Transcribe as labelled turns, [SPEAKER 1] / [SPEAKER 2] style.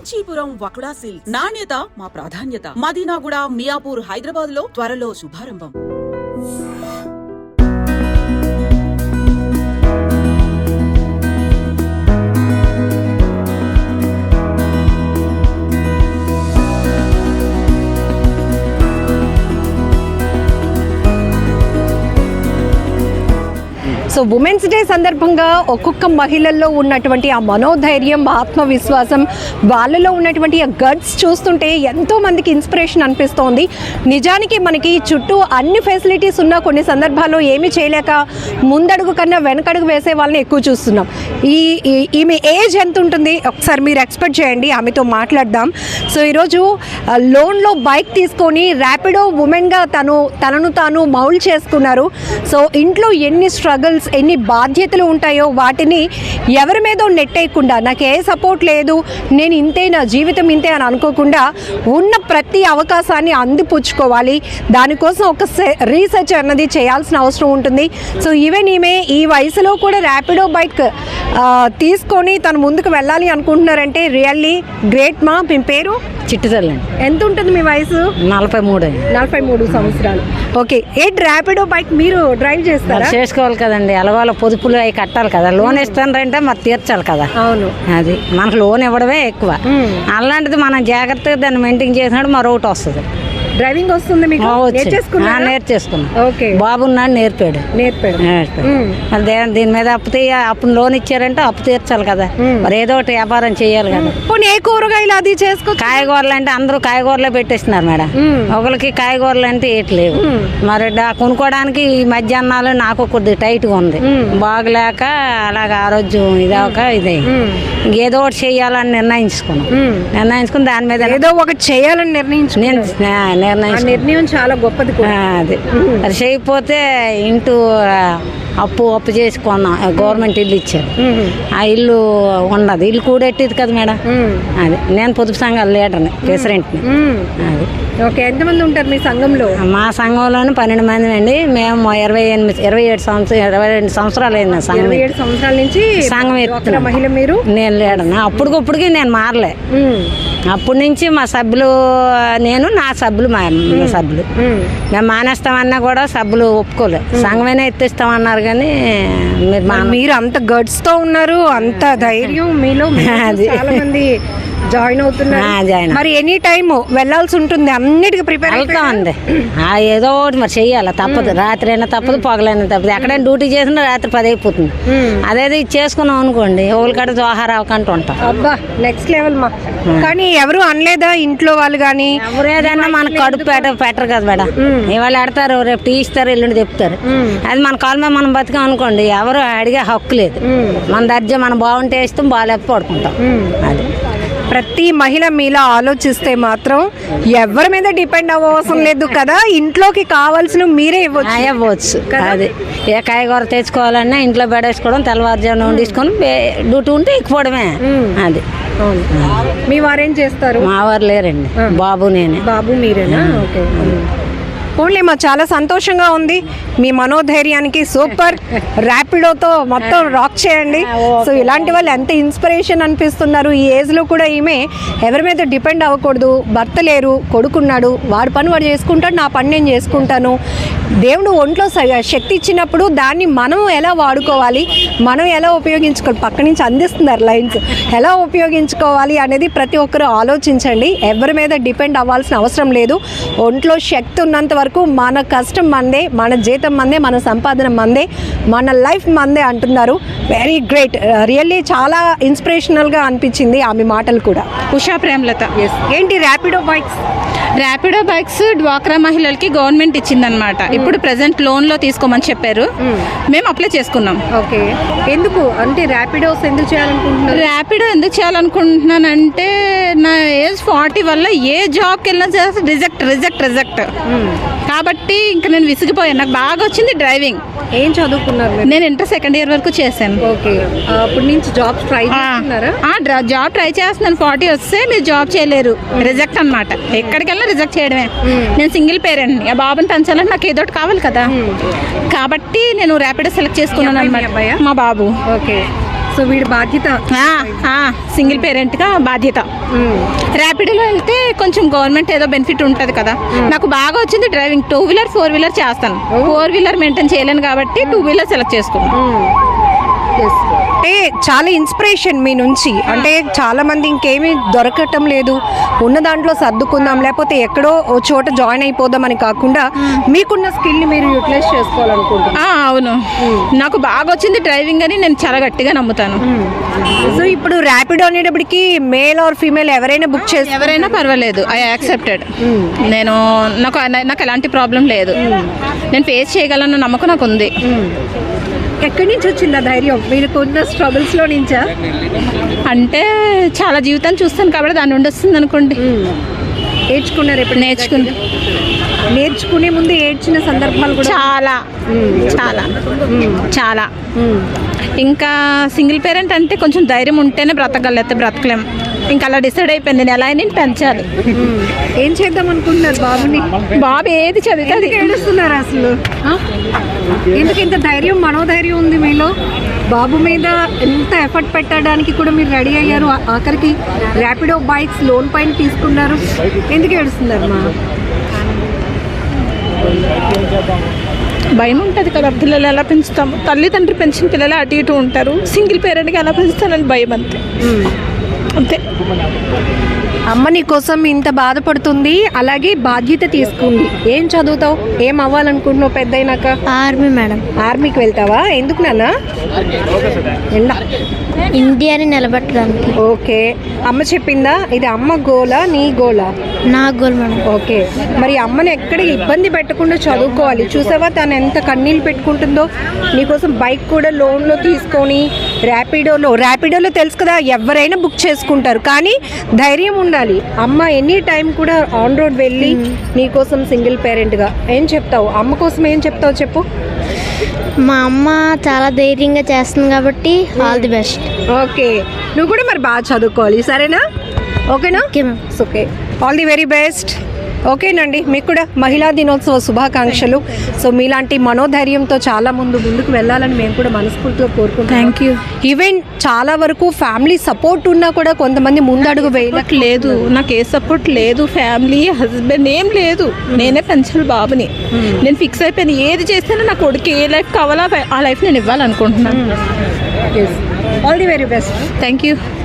[SPEAKER 1] Kanchipuram వకుడా silks నాణ్యత మా ప్రాధాన్యత. మదీనాగూడ, మియాపూర్, హైదరాబాద్ లో త్వరలో శుభారంభం.
[SPEAKER 2] సో ఉమెన్స్ డే సందర్భంగా ఒక్కొక్క మహిళల్లో ఉన్నటువంటి ఆ మనోధైర్యం, ఆత్మవిశ్వాసం, వాళ్ళలో ఉన్నటువంటి ఆ గట్స్ చూస్తుంటే ఎంతో మందికి ఇన్స్పిరేషన్ అనిపిస్తోంది. నిజానికి మనకి చుట్టూ అన్ని ఫెసిలిటీస్ ఉన్నా కొన్ని సందర్భాల్లో ఏమీ చేయలేక ముందడుగు కన్నా వెనకడుగు వేసే వాళ్ళని ఎక్కువ చూస్తున్నాం. ఈమె ఏజ్ ఎంత ఉంటుంది ఒకసారి మీరు ఎక్స్పెక్ట్ చేయండి, ఆమెతో మాట్లాడదాం. సో ఈరోజు లోన్లో బైక్ తీసుకొని ర్యాపిడో ఉమెన్గా తనను తాను మౌల్డ్ చేసుకున్నారు. సో ఇంట్లో ఎన్ని స్ట్రగుల్స్, ఎన్ని బాధ్యతలు ఉంటాయో వాటిని ఎవరి మీదో నెట్టేయకుండా, నాకు ఏ సపోర్ట్ లేదు, నేను ఇంతే, నా జీవితం ఇంతే అని అనుకోకుండా ఉన్న ప్రతి అవకాశాన్ని అందిపుచ్చుకోవాలి. దానికోసం ఒక రీసెర్చ్ అన్నది చేయాల్సిన అవసరం ఉంటుంది. సో ఈవెన్ ఈమె ఈ వయసులో కూడా ర్యాపిడో బైక్ తీసుకొని తను ముందుకు వెళ్ళాలి అనుకుంటున్నారంటే రియల్లీ గ్రేట్. మా మీ పేరు?
[SPEAKER 3] చిట్టుతల్లి.
[SPEAKER 2] ఎంత ఉంటుంది మీ వయసు? 43 సంవత్సరాలు. ఓకే, ఏంటి ర్యాపిడో బైక్ మీరు డ్రైవ్ చేస్తారా?
[SPEAKER 3] చేసుకోవాలి కదండి, అలవాళ్ళ పొదుపులు అవి కట్టాలి కదా. లోన్ ఇస్తానంటే మరి తీర్చాలి కదా.
[SPEAKER 2] అవును,
[SPEAKER 3] అది మనకు లోన్ ఇవ్వడమే ఎక్కువ. అలాంటిది మనం జాగ్రత్తగా దాన్ని మెయింటైన్ చేసినప్పుడు మరొకటి వస్తుంది.
[SPEAKER 2] డ్రైవింగ్ వస్తుంది మీకు?
[SPEAKER 3] నేర్చేసుకున్నా.
[SPEAKER 2] ఓకే,
[SPEAKER 3] బాబున్నాడు నేర్పాడు. మరి దీని మీద అప్పుడు లోన్ ఇచ్చారంటే అప్పు తీర్చాలి కదా. మరి ఏదో ఒకటి వ్యాపారం చేయాలి కదా.
[SPEAKER 2] ఏ కూరగాయలు అది చేసుకో,
[SPEAKER 3] కాయగూరలు అంటే అందరూ కాయగూరలే పెట్టేస్తున్నారు మేడం. ఒకరికి కాయగూరలు అంటే ఏట్లేవు. మరి కొనుక్కోవడానికి ఈ మధ్యాహ్నాలు నాకు కొద్దిగా టైట్గా ఉంది, బాగలేక అలాగ ఆరోగ్యం ఇదవక ఇదే ఏదో ఒకటి చేయాలని నిర్ణయించుకుని దాని మీద
[SPEAKER 2] ఏదో ఒకటి చేయాలని నిర్ణయం చాలా గొప్పది.
[SPEAKER 3] అది చేయకపోతే ఇంటూ అప్పు చేసి కొన్నాం. గవర్నమెంట్ ఇల్లు ఇచ్చారు, ఆ ఇల్లు ఉన్నది. ఇల్లు కూడెట్టేది కదా మేడం. అది నేను పొదుపు సంఘాల లీడర్ని, ప్రెసిడెంట్ని. అది
[SPEAKER 2] ఓకే. ఎంతమంది ఉంటారు మీ సంఘంలో?
[SPEAKER 3] మా సంఘంలోనే 12 మంది అండి. మేము 27 సంవత్సరాలు అయింది సంఘం.
[SPEAKER 2] 27 సంవత్సరాల నుంచి
[SPEAKER 3] సంఘం ఎత్తున
[SPEAKER 2] మహిళ మీరు?
[SPEAKER 3] నేను లీడర్ని. అప్పటికప్పటికి నేను మారలే. అప్పటి నుంచి మా సభ్యులు, నేను నా సభ్యులు, మా సభ్యులు మేము మానేస్తామన్నా కూడా సభ్యులు ఒప్పుకోలేదు. సంఘమైనా ఎత్తిస్తామన్నారు కానీ
[SPEAKER 2] మీరు అంత గట్స్ తో ఉన్నారు, అంత ధైర్యం మీలో. చాలా మంది జాయిన్ అవుతున్నారు. మరి ఎనీ టైమ్ వెళ్ళాల్సి ఉంటుంది, అన్నిటికీ ప్రిపేర్
[SPEAKER 3] అవుతామండి. ఏదో ఒకటి మరి చెయ్యాలి, తప్పదు. రాత్రి అయినా తప్పదు, పగలైనా తప్పదు. ఎక్కడైనా డ్యూటీ చేసినా రాత్రి 10 అయిపోతుంది. అదేదో ఇది చేసుకున్నాం అనుకోండి, ఒకరికడ జోహార్ అవకంటూ ఉంటాం.
[SPEAKER 2] అబ్బా, నెక్స్ట్ లెవెల్ మా. కానీ ఎవరు అనలేదా ఇంట్లో వాళ్ళు? కానీ
[SPEAKER 3] ఎవరేదన్నా మన కడుపు పెట్టరు కదా మేడం. ఇవాళ ఆడతారు, రేపు టీ ఇస్తారు, ఎల్లుండి చెప్తారు. అది మన కాళ్ళ మీద మనం బతికాం అనుకోండి, ఎవరు అడిగే హక్కు లేదు. మన దర్జా మనం బాగుంటే ఇస్తాం, బాగాలేక పడుకుంటాం. అది
[SPEAKER 2] ప్రతి మహిళ మీలా ఆలోచిస్తే మాత్రం ఎవరి మీద డిపెండ్ అవ్వవసరం లేదు కదా. ఇంట్లోకి కావాల్సిన మీరే
[SPEAKER 3] ఇవ్వచ్చు. అది ఏ కాయగూర తెచ్చుకోవాలన్నా ఇంట్లో బెడేసుకోవడం, తెల్లవారుజామున వండించుకొని డ్యూటీ ఉంటే ఎక్కిపోవడమే. అది
[SPEAKER 2] మీ వారేం చేస్తారు?
[SPEAKER 3] మా వారు లేరండి, బాబు నేనే.
[SPEAKER 2] బాబు మీరేనా? ఓకే. ఓన్లీ మా చాలా సంతోషంగా ఉంది. మీ మనోధైర్యానికి సూపర్. ర్యాపిడోతో మొత్తం రాక్ చేయండి. సో ఇలాంటి వాళ్ళు ఎంత ఇన్స్పిరేషన్ అనిపిస్తున్నారు. ఈ ఏజ్లో కూడా ఈమె ఎవరి మీద డిపెండ్ అవ్వకూడదు. భర్త లేరు, కొడుకున్నాడు, వాడి పని వాడు చేసుకుంటాడు, నా పని నేను చేసుకుంటాను. దేవుడు ఒంట్లో శక్తి ఇచ్చినప్పుడు దాన్ని మనం ఎలా వాడుకోవాలి, మనం ఎలా ఉపయోగించుకోవాలి, పక్క నుంచి అందిస్తున్నారు లైన్స్, ఎలా ఉపయోగించుకోవాలి అనేది ప్రతి ఒక్కరూ ఆలోచించండి. ఎవరి మీద డిపెండ్ అవ్వాల్సిన అవసరం లేదు. ఒంట్లో శక్తి ఉన్నంత వరకు మన కష్టం మందే, మన జీతం మందే, మన సంపాదన మందే, మన లైఫ్ మందే అంటున్నారు. Very great. రియల్లీ చాలా ఇన్స్పిరేషనల్గా అనిపించింది ఆమె మాటలు కూడా.
[SPEAKER 4] ఉషా ప్రేమలత.
[SPEAKER 2] ఏంటి ర్యాపిడో బైక్స్?
[SPEAKER 4] ర్యాపిడో బైక్స్ డ్వాక్రా మహిళలకి గవర్నమెంట్ ఇచ్చిందనమాట. ఇప్పుడు ప్రెసెంట్ లోన్లో తీసుకోమని చెప్పారు, మేము అప్లై చేసుకున్నాం.
[SPEAKER 2] ఓకే. ఎందుకు అంటే ర్యాపిడోస్ ఎందుకు చేయాలనుకుంటున్నారు?
[SPEAKER 4] ర్యాపిడో ఎందుకు చేయాలనుకుంటున్నానంటే నా ఏజ్ 40 వల్ల ఏ జాబ్కి వెళ్ళినా రిజెక్ట్ కాబట్టి ఇంకా నేను విసిగిపోయాను. నాకు బాగా వచ్చింది డ్రైవింగ్.
[SPEAKER 2] ఏం చదువుకున్నారు?
[SPEAKER 4] నేను ఇంటర్ 2nd ఇయర్ వరకు చేశాను.
[SPEAKER 2] ఓకే. అప్పటి నుంచి జాబ్స్ ట్రై చేస్తున్నారా?
[SPEAKER 4] జాబ్ ట్రై చేస్తున్నాను. 40 వస్తే మీరు జాబ్ చేయలేరు, రిజెక్ట్ అనమాట. ఎక్కడికి వెళ్ళినా రిజెక్ట్ చేయడమే. నేను సింగిల్ పేరెంట్ని, ఆ బాబుని పెంచాలంటే నాకు ఏదో ఒకటి కావాలి కదా. కాబట్టి నేను ర్యాపిడో సెలెక్ట్ చేసుకున్నాను అనమాట. మా బాబు.
[SPEAKER 2] ఓకే. సో వీడి బాధ్యత.
[SPEAKER 4] సింగిల్ పేరెంట్గా బాధ్యత. ర్యాపిడోలో వెళ్తే కొంచెం గవర్నమెంట్ ఏదో బెనిఫిట్ ఉంటుంది కదా. నాకు బాగా వచ్చింది డ్రైవింగ్. 2 వీలర్ 4 వీలర్ చేస్తాను. 4 వీలర్ మెయింటైన్ చేయలేను కాబట్టి 2 వీలర్ సెలెక్ట్ చేసుకున్నాను.
[SPEAKER 2] అంటే చాలా ఇన్స్పిరేషన్ మీ నుంచి. అంటే చాలా మంది ఇంకేమీ దొరకటం లేదు, ఉన్న దాంట్లో సర్దుకుందాం లేకపోతే ఎక్కడో ఓ చోట జాయిన్ అయిపోదాం అని కాకుండా మీకున్న స్కిల్ని మీరు యూటిలైజ్ చేసుకోవాలనుకుంటున్నాను.
[SPEAKER 4] అవును, నాకు బాగా వచ్చింది డ్రైవింగ్ అని నేను చాలా గట్టిగా నమ్ముతాను.
[SPEAKER 2] సో ఇప్పుడు ర్యాపిడో అనేటప్పటికి మేల్ ఆర్ ఫీమేల్ ఎవరైనా బుక్ చేసి
[SPEAKER 4] ఎవరైనా పర్వాలేదు, ఐ యాక్సెప్టెడ్. నేను నాకు ఎలాంటి ప్రాబ్లం లేదు, నేను ఫేస్ చేయగలన్న నమ్మకం నాకు ఉంది.
[SPEAKER 2] ఎక్కడి నుంచి వచ్చిందా ధైర్యం? మీరు కొన్న స్ట్రగుల్స్లో నుంచా?
[SPEAKER 4] అంటే చాలా జీవితాన్ని చూస్తాను కాబట్టి దాని నుండి వస్తుంది అనుకోండి.
[SPEAKER 2] నేర్చుకున్నారు ఎప్పుడు? నేర్చుకునే ముందు ఏడ్చిన సందర్భాలు కూడా
[SPEAKER 4] చాలా చాలా చాలా. ఇంకా సింగిల్ పేరెంట్ అంటే కొంచెం ధైర్యం ఉంటేనే బ్రతకగలిగితే బ్రతకలేం. ఇంకా అలా డిసైడ్ అయిపోయింది, నేను ఎలా అయినా పెంచాలి.
[SPEAKER 2] ఏం చేద్దాం అనుకుంటున్నారు బాబుని?
[SPEAKER 4] బాబు ఏది చదివితే
[SPEAKER 2] ఏడుస్తున్నారు అసలు? ఎందుకు ఇంత ధైర్యం, మనోధైర్యం ఉంది మీలో? బాబు మీద ఎంత ఎఫర్ట్ పెట్టడానికి కూడా మీరు రెడీ అయ్యారు, ఆఖరికి ర్యాపిడో బైక్స్ లోన్ పైన తీసుకున్నారు. ఎందుకు ఏడుస్తున్నారు మా?
[SPEAKER 4] భయం ఉంటుంది కదా, పిల్లలు ఎలా పెంచుతాము. తల్లిదండ్రులు పెంచిన పిల్లలు అటు ఇటు ఉంటారు, సింగిల్ పేరెంట్గా ఎలా పెంచుతానని భయం అంతే. అంతే.
[SPEAKER 2] అమ్మ నీ కోసం ఇంత బాధపడుతుంది, అలాగే బాధ్యత తీసుకుంది. ఏం చదువుతావు, ఏం అవ్వాలనుకుంటున్నావు పెద్ద అయినాక?
[SPEAKER 5] Army madam.
[SPEAKER 2] ఆర్మీకి వెళ్తావా? ఎందుకు నాన్న?
[SPEAKER 5] ఇండియాని నిలబెట్టడానికి.
[SPEAKER 2] ఓకే, అమ్మ చెప్పిందా? ఇది అమ్మ గోలా నీ గోలా?
[SPEAKER 5] నా గోల్ మేడం.
[SPEAKER 2] ఓకే, మరి అమ్మని ఎక్కడ ఇబ్బంది పెట్టకుండా చదువుకోవాలి. చూసావా తను ఎంత కన్నీళ్ళు పెట్టుకుంటుందో నీకోసం. బైక్ కూడా లోన్లో తీసుకొని ర్యాపిడోలో తెలుసు కదా ఎవరైనా బుక్ చేసుకుంటారు, కానీ ధైర్యం ఉండాలి. అమ్మ ఎనీ టైం కూడా ఆన్ రోడ్ వెళ్ళి నీకోసం సింగిల్ పేరెంట్గా ఏం చెప్తావు? అమ్మ కోసం ఏం చెప్తావు చెప్పు.
[SPEAKER 5] మా అమ్మ చాలా ధైర్యంగా చేస్తుంది కాబట్టి ఆల్ ది బెస్ట్.
[SPEAKER 2] ఓకే, నువ్వు కూడా మరి బాగా చదువుకోవాలి, సరేనా? ఓకేనా?
[SPEAKER 5] Okay ma'am.
[SPEAKER 2] Okay, all the very best. ఓకేనండి, మీకు కూడా మహిళా దినోత్సవ శుభాకాంక్షలు. సో మీలాంటి మనోధైర్యంతో చాలా ముందుకు వెళ్ళాలని మేము కూడా మనస్ఫూర్తిగా కోరుకుంటాం.
[SPEAKER 4] Thank you.
[SPEAKER 2] ఈవెన్ చాలా వరకు ఫ్యామిలీ సపోర్ట్ ఉన్నా కూడా కొంతమంది ముందడుగు
[SPEAKER 4] లేదు, నాకు ఏ సపోర్ట్ లేదు, ఫ్యామిలీ హస్బెండ్ ఏం లేదు. నేనే పెంచాలి బాబుని. నేను ఫిక్స్ అయిపోయాను, ఏది చేసినా నా కొడుకు ఏ లైఫ్ కావాలో ఆ లైఫ్ నేను ఇవ్వాలనుకుంటున్నాను.
[SPEAKER 2] All the very best.
[SPEAKER 4] Thank you.